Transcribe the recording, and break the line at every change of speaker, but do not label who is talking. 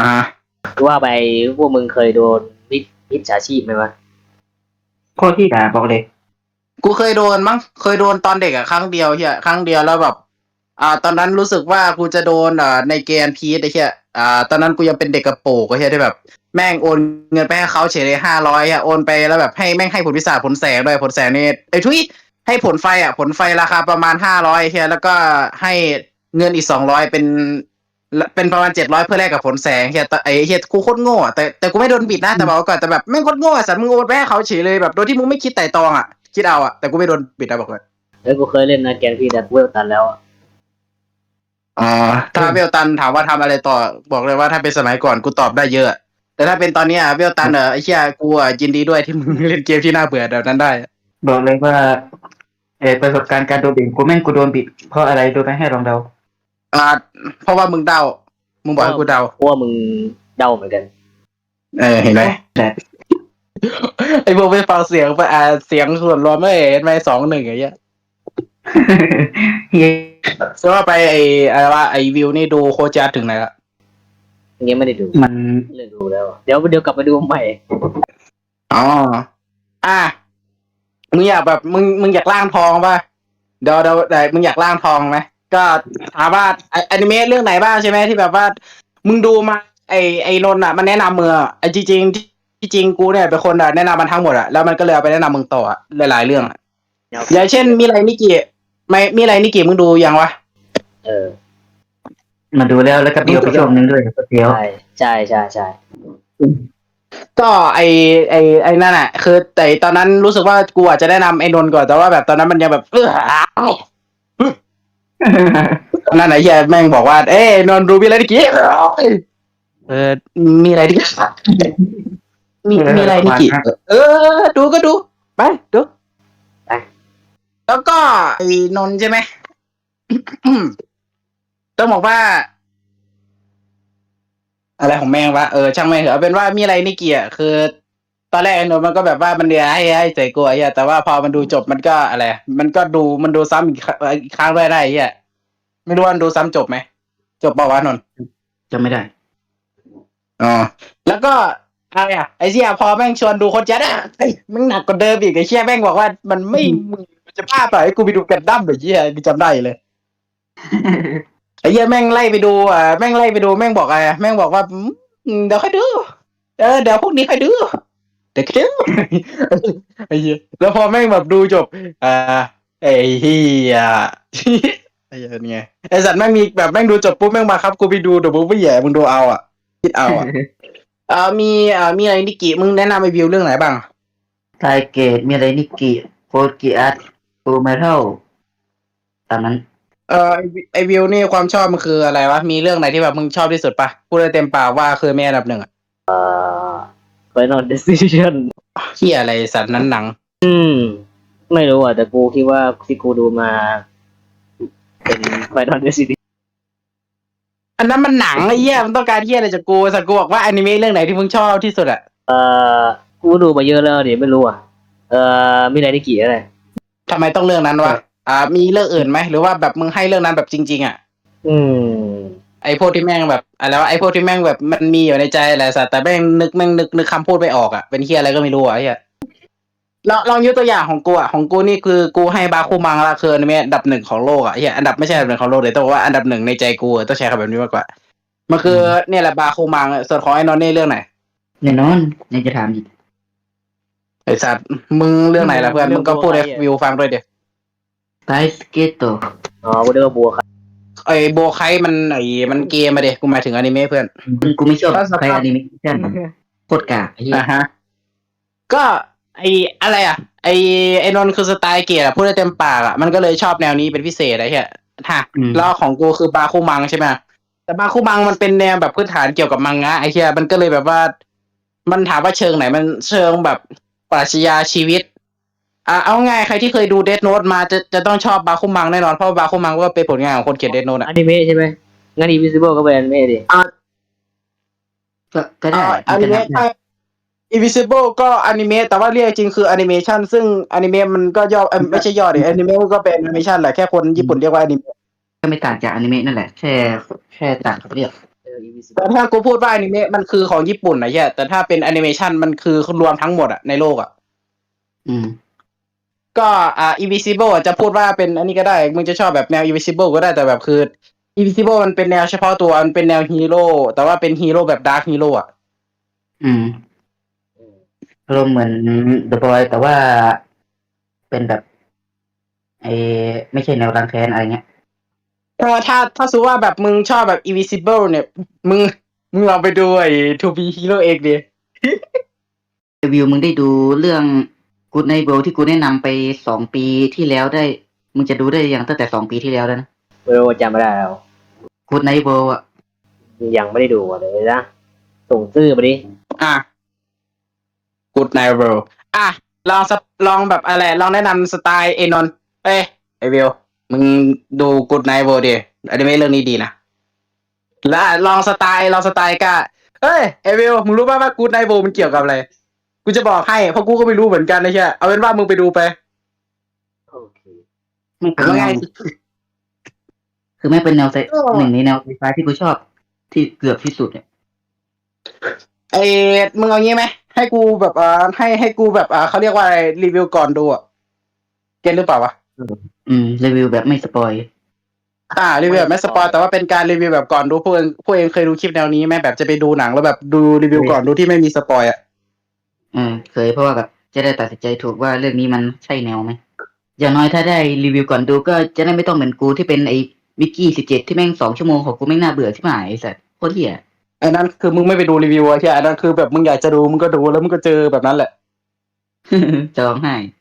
ว่าไปพวกมึงเคยโดนมิจฉาชีพไหมวะ
โคตรที่ด่าบอกเลย
กูเคยโดนมั้งเคยโดนตอนเด็กอะครั้งเดียวเฮียครั้งเดียวแล้วแบบตอนนั้นรู้สึกว่ากูจะโดนในเกมพีซไอ้เฮียตอนนั้นกูยังเป็นเด็กกระโปรงไอ้เฮียที่แบบแม่งโอนเงินไปให้เขาเฉยเลย500อะโอนไปแล้วแบบให้แม่งให้ผลพิศาจผลแสงด้วยผลแสงนี่ไอ้ทุยให้ผลไฟอะผลไฟราคาประมาณ500เฮียแล้วก็ให้เงินอีก200เป็นประมาณ700เพื่อแลกกับผลแสงเฮียไอ้เฮียกูโคตรโง่แต่กูไม่โดนบิดนะแต่บอกก่อนแต่แบบแม่งโคตรโง่สัตว์มึงโอนไปให้เขาเฉยเลยแบบโดยที่มึงไม่คิดไต่ตรองอะคิดเอาอะแต่กูไม่โดนบิดนะบอกเลย
กูเคยเล่นนะแกนพี่แต่กูเวลตันแล้วอะ
ถ้าเวลตันถามว่าทำอะไรต่อบอกเลยว่าถ้าเป็นสมัยก่อนกูตอบได้เยอะแต่ถ้าเป็นตอนนี้เวลตันไอ้เชี่ยกูยินดีด้วยที่มึงเล่นเกมที่น่าเบื่อแบบนั้นได้
บอกเลยว่าประสบการณ์การโดนบิดกูโดนบิดเพราะอะไรโดนไปให้ลองเดา
เพราะว่ามึงเดามึงบอกให้กูเดา
เพราะว่ามึงเดาเหมือนกัน
เห็นไหม
แต่
ไอ้พวกไม่ฟังเสียงไปเสียงส่วนรวมไม่เห็นไหม2-1ไอ้เหี้ย
เฮีย
เพราะว่าไปอะไรว่าไอ้วิวนี่ดูโคจาถึงไหนละ
ยังไม่ได้ดู
มัน
เลิกดูแล้วอะเดี๋ยวกลับมาดูใหม่
มึงอยากแบบมึงอยากล่างทองป่ะเดี๋ยวมึงอยากล่างทองไหมก็ถามว่าอนิเมะเรื่องไหนบ้างใช่ไหมที่แบบว่ามึงดูมาไอ้นนท์มันแนะนำมึงจริงกูเนี่ยเป็นคนแนะนำมันทั้งหมดแล้วมันก็เลยเอาไปแนะนำมึงต่อหลายๆเรื่องอย่างเช่นมีอะไรนิกิไม่มีอะไรนิกิมึงดูยังวะ
มาดูแล้วก็เดียวไปช่วงนึงด้วยเดียว
ใช่
ก็ไอ้นั่นแหละคือแต่ตอนนั้นรู้สึกว่ากูอาจจะแนะนำไอ้นนท์ก่อนแต่ว่าแบบตอนนั้นมันยังแบบนั่นไหนเฮียแม่งบอกว่าเอ้นนท์ดูมีอะไรนิกิมีอะไรนิกิมีอะไรนิกิดูก็ดูไปดูไปแล้วก็ไอ้นนท์ใช่ไหม ต้องบอกว่าอะไรของแม่งวะช่างแม่งเถอะเอาเป็นว่ามีอะไรนิกิคือตอนแรกไอ้นนท์มันก็แบบว่ามันเดียให้ใส่กลัวไอ้แต่ว่าพอมันดูจบมันก็อะไรมันก็มันดูซ้ำอีกครั้งด้วยได้ไอ้ไม่รู้ว่ามันดูซ้ำจบไหมจบเปล่าวะนนท์
จำไม่ได้
แล้วก็อะไรไอ้เชี่ยพอแม่งชวนดูคนจัดมึงหนักกว่าเดิมอีกไอ้เชี่ยแม่งบอกว่ามันไม่มึงจะบ้าเปล่าไอ้กูไปดูกันดั้มหรือเชี่ยกูจำได้เลย ไอ้เหี้ยแม่งไล่ไปดูแม่งไล่ไปดูแม่งบอกอะไรแม่งบอกว่าเดี๋ยวค่อยดูเดี๋ยวพวกนี้ค่อยดูเดี๋ยวค่อยดู ไอ้เหี้ยแล้วพอแม่งแบบดูจบไอ้เหี้ย ไอ้เหี้ยนี่ไงไอ้สัตว์แม่งมีแบบแม่งดูจบปุ๊บแม่งมาครับกูไปดูเดี๋ยวมึงไม่แย่มึงดูเอาคิดเอามีอะไรนิกิมึงแนะนำไอ้วิวเรื่องไหนบ้าง
ไทเกตมีอะไรนิกิโคกิอัตฟูเมทัลตามนั้น
ไอวิวนี่ความชอบมันคืออะไรวะมีเรื่องไหนที่แบบมึงชอบที่สุดปะพูดได้เต็มปากว่าคือแม่อันดับหนึ่ง
Final Decision
เหี้ยอะไรสัตว์นั้นหนัง
ไม่รู้แต่กูคิดว่าที่กูดูมาเป็น Final Decision
อันนั้นมันหนังไอ้เหี้ยมันต้องการเหี้ยอะไรจากกูสัตว์กูบอกว่าอนิเมะเรื่องไหนที่มึงชอบที่สุด
กูดูมาเยอะแล้วเดี๋ยวไม่รู้มีอะไรนิกิอะไร
ทำไมต้องเรื่องนั้นวะมีเรื่องอื่นไหมหรือว่าแบบมึงให้เรื่องนั้นแบบจริงๆไอพวกที่แม่งแบบอะไรวะไอพวกที่แม่งแบบมันมีอยู่ในใจแหละสัตว์แต่แม่งนึกคำพูดไม่ออกเป็นเหี้ยอะไรก็ไม่รู้เหี้ยลองยกตัวอย่างของกูนี่คือกูให้บาคุมังละคืออนิเมะอันดับหนึ่งของโลกเหี้ยอันดับไม่ใช่อันดับหนึ่งของโลกเลยแต่ว่าอันดับหนึ่งในใจกูต้องใช้คำแบบนี้มากกว่ามันคือเนี่ยแหละบาคุมังส่วนของไอ้นอนนี่เรื่องไหน
แน่นอนยังจะถามอีก
ไอสัตว์มึงเรื่องไหนล่ะเพื่อนมึงก็พูดให้วิวฟังด้วยเดี๋ยว
ไทสเกตโต
กูเรียกว่าบัวครับ
ไอโบไคมันเกมมาเด็กกูหมายถึงอนิเมะเพื่อน
กูไม่ชอบใครอนิเมชั่นโคตรกากไอ้เหี้ย
ก็อะไรไอนนท์คือสไตล์เกียร์พูดได้เต็มปากมันก็เลยชอบแนวนี้เป็นพิเศษไอ้เหี้ยแล้วของกูคือบาคุมังใช่ไหมแต่บาคุมังมันเป็นแนวแบบพื้นฐานเกี่ยวกับมังงะไอ้เหี้ยมันก็เลยแบบว่ามันถามว่าเชิงไหนมันเชิงแบบปรัชญาชีวิตเอาง่ายใครที่เคยดูเดธโน้ตมาจะต้องชอบบาคุมังแน่นอนเพราะบาคุมังก็เป็นผลงานของคนเขียนเดธโน้ต
อนิเมะใช่ไหมงั้น Invisible ก็เป็นอนิเมะดิ
ก็ได้
อนิเมะInvisible ก็อนิเมะแต่ว่าเรียกจริงคือแอนิเมชันซึ่งอนิเมะมันก็ย่อไม่ใช่ย่อดิแอนิเมะก็เป็นแอนิเมชันแหละแค่คนญี่ปุ่นเรียกว่าอนิเมะ
ก็ไม่ต่างจากอนิเมะนั่นแหละแค่ต่างกับเรียก
Invisible
แต่ถ้ากูพูดว่าอนิเมะมันคือของญี่ปุ่นนะเหี้ยแต่ถ้าเป็นแอนิเมชันมันคือรวมทั้งหมดอะในโลกอะ
อืม
ก็Invisible อะจะพูดว่าเป็นอันนี้ก็ได้มึงจะชอบแบบแนว Invisible ก็ได้แต่แบบคือ Invisible มันเป็นแนวเฉพาะตัวมันเป็นแนวฮีโร่แต่ว่าเป็นฮีโร่แบบดาร์คฮีโร่อะ
อืม
อืม
อารมณ์เหมือน The Boy แต่ว่าเป็นแบบไอ้ไม่ใช่แนวรังแค้นอะไรเงี้ย
ถ้าสมมติว่าแบบมึงชอบแบบ Invisible เนี่ยมึงลองไปดูไอ้ To Be Hero เองดิ
รีวิวมึงได้ดูเรื่อง Good Night Bro ที่กูแนะนำไป2 ปีที่แล้วได้ มึงจะดูได้ยังตั้งแต่2 ปีที่แล้วแล้วนะ
ไม่รู้ว่าจำไม่ได้แล้ว
Good Night Bro อ่ะ
ยังไม่ได้ดูเลยนะส่งชื่อมาดิ
อ่ะ Good Night Bro อ่ะลองแบบอะไรลองแนะนำสไตล์เอนนท์เอ้ยไอวิวมึงดู Good Night Bro ดิอนิเมะเรื่องนี้ดีนะแล้วลองสไตล์ก็เอ้ยไอวิวมึงรู้ป่ะว่า Good Night Bro มันเกี่ยวกับอะไรกูจะบอกให้เพราะกูก็ไม่รู้เหมือนกันนะใช่เอาเป็นว่ามึงไปดูไป
โอเค
ไม่เป็น
ว่า
แน
ไง
วคือไม่เป็นแนวหนึ่งในแนวไซไฟที่กูชอบที่เกือบที่สุดเนี่ย
ไอ้มึงเอางี้ไหมให้กูแบบให้กูแบบเขาเรียกว่าอะไรรีวิวก่อนดูอ่ะเก็ตหรือเปล่าวะ
รีวิวแบบไม่สปอย
รีวิวแบบไม่สปอยแต่ว่าเป็นการรีวิวแบบก่อนดูพวกเองเคยดูคลิปแนวนี้ไหมแบบจะไปดูหนังแล้วแบบดูรีวิวก่อนดูที่ไม่มีสปอยอ่ะ
เคยเพราะว่าแบบจะได้ตัดสินใจถูกว่าเรื่องนี้มันใช่แนวไหมอย่างน้อยถ้าได้รีวิวก่อนดูก็จะได้ไม่ต้องเหมือนกูที่เป็นไอ้วิกกี้17ที่แม่ง2 ชั่วโมงของกูแม่งน่าเบื่อที่หมายไอ้สัสโคตรเหี้ย
ไอ้นั่นคือมึงไม่ไปดูรีวิวอะใช่อันนั้นคือแบบมึงอยากจะดูมึงก็ดูแล้วมึงก็เจอแบบนั้นแหละ
จะร้องไห้